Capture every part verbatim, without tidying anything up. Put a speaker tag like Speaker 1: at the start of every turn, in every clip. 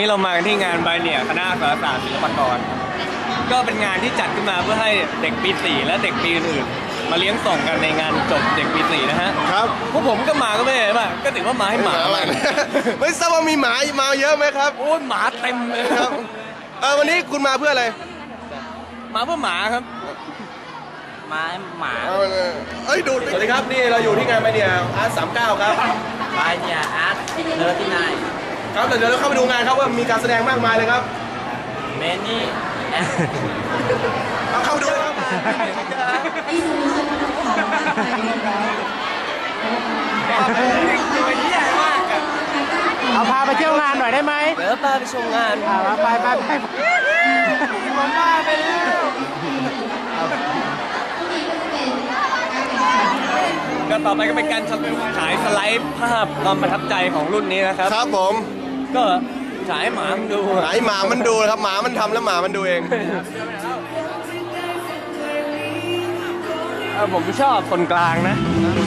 Speaker 1: นี้เรามากันที่งานไบเนียคณะสารศาสตร์ศิลปากรก็เป็นงานที่จัดขึ้นมาเพื่อให้เด็กปีสี่และเด็กปีอื่นมาเลี้ยงส่งกันในงานจบเด็กปีสี่นะฮะ
Speaker 2: ครับ
Speaker 1: พวกผมก็มาก็ไม่เห็นป่ะก็ถือว่ามาให้หมา
Speaker 2: ไม่ทราบว่ามีหมามาเยอะไหมครับ
Speaker 1: โอ้ยหมาเต็มเลย
Speaker 2: ครับเออวันนี้คุณมาเพื่ออะไร
Speaker 1: มาเพื่อหมาครับ
Speaker 3: มาหมา
Speaker 2: เอ้ยดูสวัสดีครับนี่เราอยู่ที่งานไบเนียอาร์ตสามเก้าครับ
Speaker 3: ไบเนียอาร์ตเลิศที่ไหน
Speaker 2: ครับเดี๋ยวเราเข้าไปดูงานครับว่ามีการแสดงมากมายเลยครับ
Speaker 3: เมนี่
Speaker 2: เอาเข้าไปดูเลยครับ
Speaker 4: เอาพาไปเที่ยวงานหน่อยได้ไหม
Speaker 3: เดี๋ยวพาไปชมงาน
Speaker 4: พาไปไปไปผมพาไปแล้ว
Speaker 1: ก็ต่อไปก็เป็นการฉายสไลด์ภาพความประทับใจของรุ่นนี้นะครับ
Speaker 2: ครับผม
Speaker 1: ก็ฉายหมามันดู
Speaker 2: ฉายหมามันดูครับหมามันทำแล้วหมามันดูเอง
Speaker 1: ผมชอบคนกลางนะ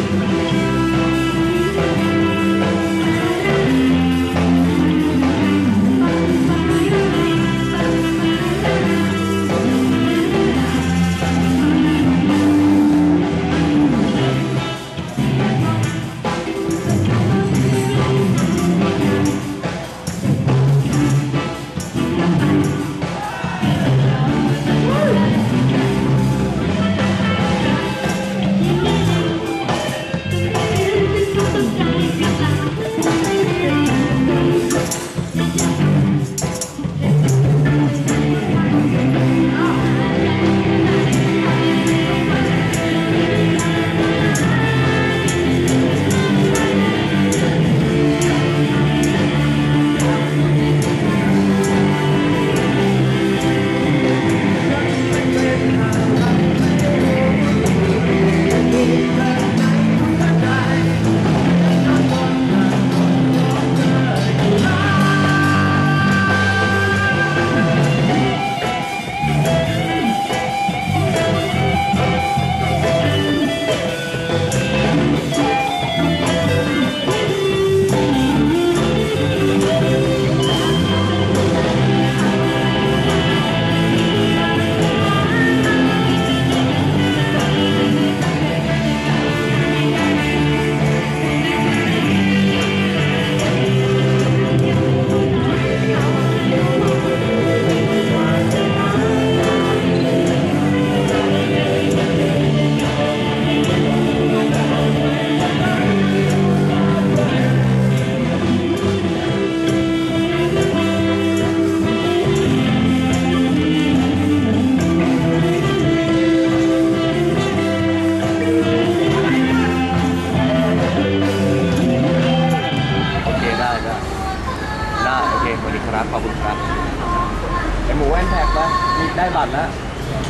Speaker 3: ขอบคุณครับไอหมูแว่นแท็กปะมีได้บัตรแล้ว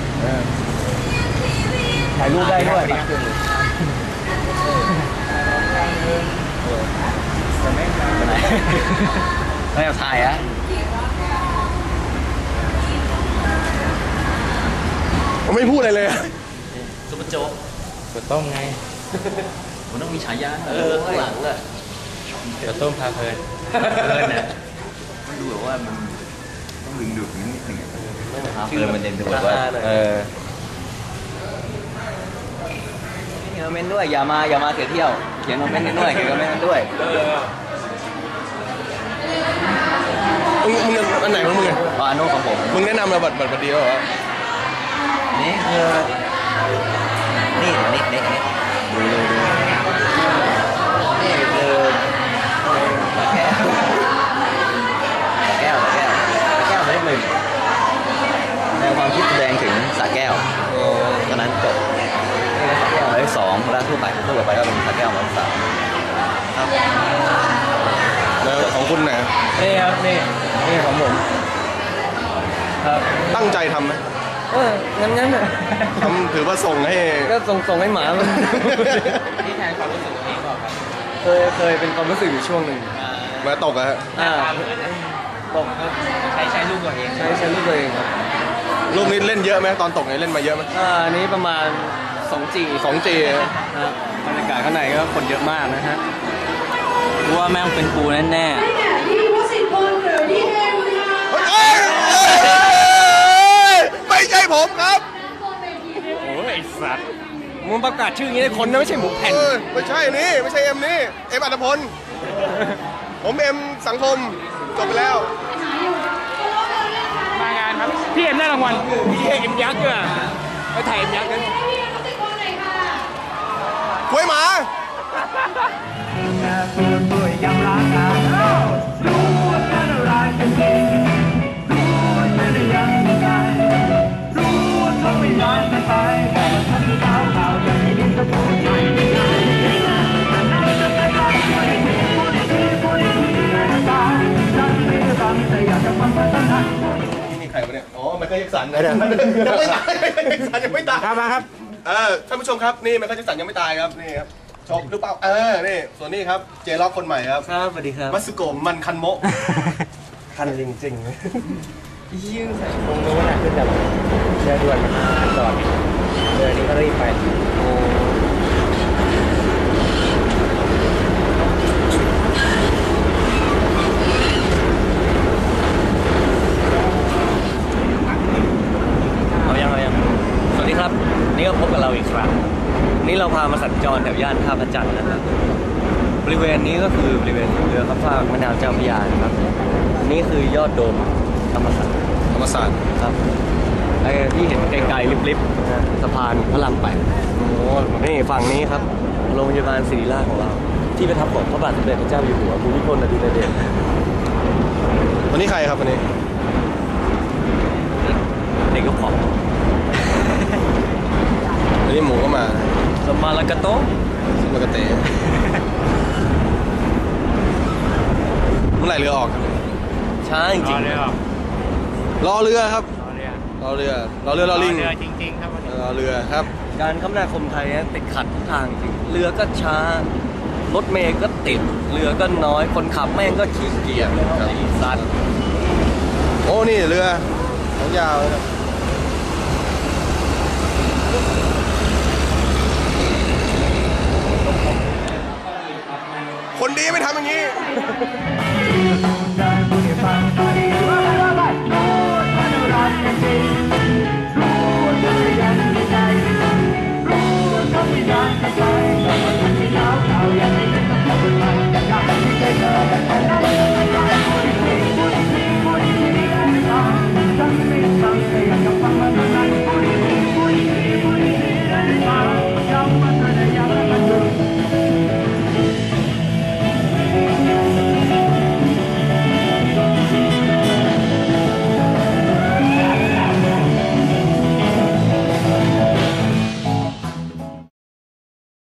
Speaker 3: ถ่ายรูปได้ด้วยไปไหนไม่เอาถ่ายอะ
Speaker 2: ผมไม่พูดอะไรเลย
Speaker 3: ซุปเปอร์โจ๊ก
Speaker 4: ก๋วยต้มไง
Speaker 3: มันต้องมีฉายาเออข้างหลังอะ
Speaker 4: ก๋วยต้มพาเพลิน
Speaker 3: เพลินเนี่ยมันดูแบบว่ามันต้องดึงดูดนิดหนึ่งชื่อมันเด่นตัวว่าเออคอมเมนต์ด้วยอย่ามาอย่ามาเสียเที่ยวเขียนคอมเมนต์กันด้วยเขียนคอมเมนต์กันด้วย
Speaker 2: มึงมึงอันไหนของมึงอ่ะ
Speaker 3: อ๋ออันโน้ของผม
Speaker 2: มึงแนะนำมาบัตรบัตรบัตรดีเหรอ
Speaker 3: นี่คือนี่นี่นี่นี่ดูดูดูนี่คือตะแก้วตะแก้วตะแก้วตะแก้วเลขหนึ่งแนวความคิดแสดงถึงสระแก้วตอนนั้นจบสระแก้วเลขสองแล้วทั่วไปทั่วไปก็เป็นสระแก้วเลขสามครับ
Speaker 2: แล้วของคุณไหน
Speaker 1: นี่ครับนี่นี่ของผมครับ
Speaker 2: ตั้งใจทำไหม
Speaker 1: เอองั้นงั้นอ่ะ
Speaker 2: ทำถือว่าส่งให้
Speaker 1: ก็ส่งส่งให้หมามัน
Speaker 3: นี่แทนความรู้สึกตัวเองเปล่าครับ
Speaker 1: เคยเคยเป็นความรู้สึกอยู่ช่วงหนึ่ง
Speaker 2: มาตกอะฮะ
Speaker 1: อ่าตก
Speaker 3: ใช้ใช้ลูกตัวเอง
Speaker 1: ใช้ใช้ลูกตัวเองครับ
Speaker 2: ลูกนี้เล่นเยอะไหมตอนตกเนี่ยเล่นมาเยอะไหม
Speaker 1: อ่าอันนี้ประมาณสองจี
Speaker 2: สองจี
Speaker 1: ครับบรรยากาศข้างในก็คนเยอะมากนะฮะ
Speaker 3: ว่าแม่งเป็นปูแน่ๆ
Speaker 2: ไม่ใช่ผมครับ
Speaker 1: โอ้ยไอ้สัตว์มึงประกาศชื่ออย่างนี้ได้คนนะไม่ใช่หมูแผ่น
Speaker 2: เออไม่ใช่นี่ไม่ใช่เอ็มนี่เอ็มอัตพลผมเอ็มสังคมจบไปแล้ว
Speaker 4: มางานครับ พี่เอ็มได้รางวัล
Speaker 1: พี่เอ็มยักษ์อ่ะไปถ่ายเอ็มยักษ์กัน
Speaker 2: คุยหมา นี่ใครวะเนี่ย อ๋อไมเคิลแจ็คสันนะยังไม่ตายไมเคิลแจ็คสันยังไม่ตาย
Speaker 4: ครับมาครับ
Speaker 2: เออท่านผู้ชมครับนี่ไมเคิลแจ็คสันยังไม่ตายครับนี่ครับชอบหรือเปล่าเออนี่ส่วนนี้ครับเจล็อกคนใหม่ครับ
Speaker 1: ครับสวัสดีครับ
Speaker 2: มัตสึโกะมันคันโมะ คันจริงๆ
Speaker 3: ยืดตรงนู้นน่ะขึ้นแบบเรือด่วนมาจอดเรือนี้ก็รีบไปโอ้
Speaker 1: เอายังเอายังสวัสดีครับ นี่ก็พบกับเราอีกครั้ง นี่เราพามาสัญจรแถวย่านท่าพระจันทร์นะครับบริเวณนี้ก็คือบริเวณเรือข้ามฟากแม่น้ำเจ้าพระยานะครับ นี่คือยอดโดมธรรมศาสตร์
Speaker 2: ธรรมศาสตร์
Speaker 1: ครับไอ้ที่เห็นไกลๆลิบๆนะสะพานพระรามแปดโอ้นี่ฝั่งนี้ครับโรงพยาบาลศิริราชของเรา ที่ประทับของพระบาทสมเด็จพระเจ้าอยู่หัวภูมิพลอดุลยเดช
Speaker 2: วันนี้ใครครับวันนี้
Speaker 1: เด็กก็ผอม
Speaker 2: วันนี้หมูก็มา
Speaker 1: สมาลากาโตะ
Speaker 2: สมากาเตะเมื่อไหร่เรือออกครับ
Speaker 1: ช้าจริง
Speaker 4: รอเรือ
Speaker 2: รอเรือครับ
Speaker 4: รอเรือ
Speaker 2: รอเรือ รอเรือรอลิง
Speaker 4: เรือจริงๆครับวันนี้
Speaker 2: รอเรือครับ
Speaker 1: ๆการคมนาคมไทยติดขัดทุกทางจริงเรือก็ช้ารถเมล์ก็ติดเรือก็น้อยคนขับแม่งก็ขี้เกียจไอ้สัตว์
Speaker 2: โอ้นี่เรือของยาวเลยครับคนดีไม่ทำอย่างนี้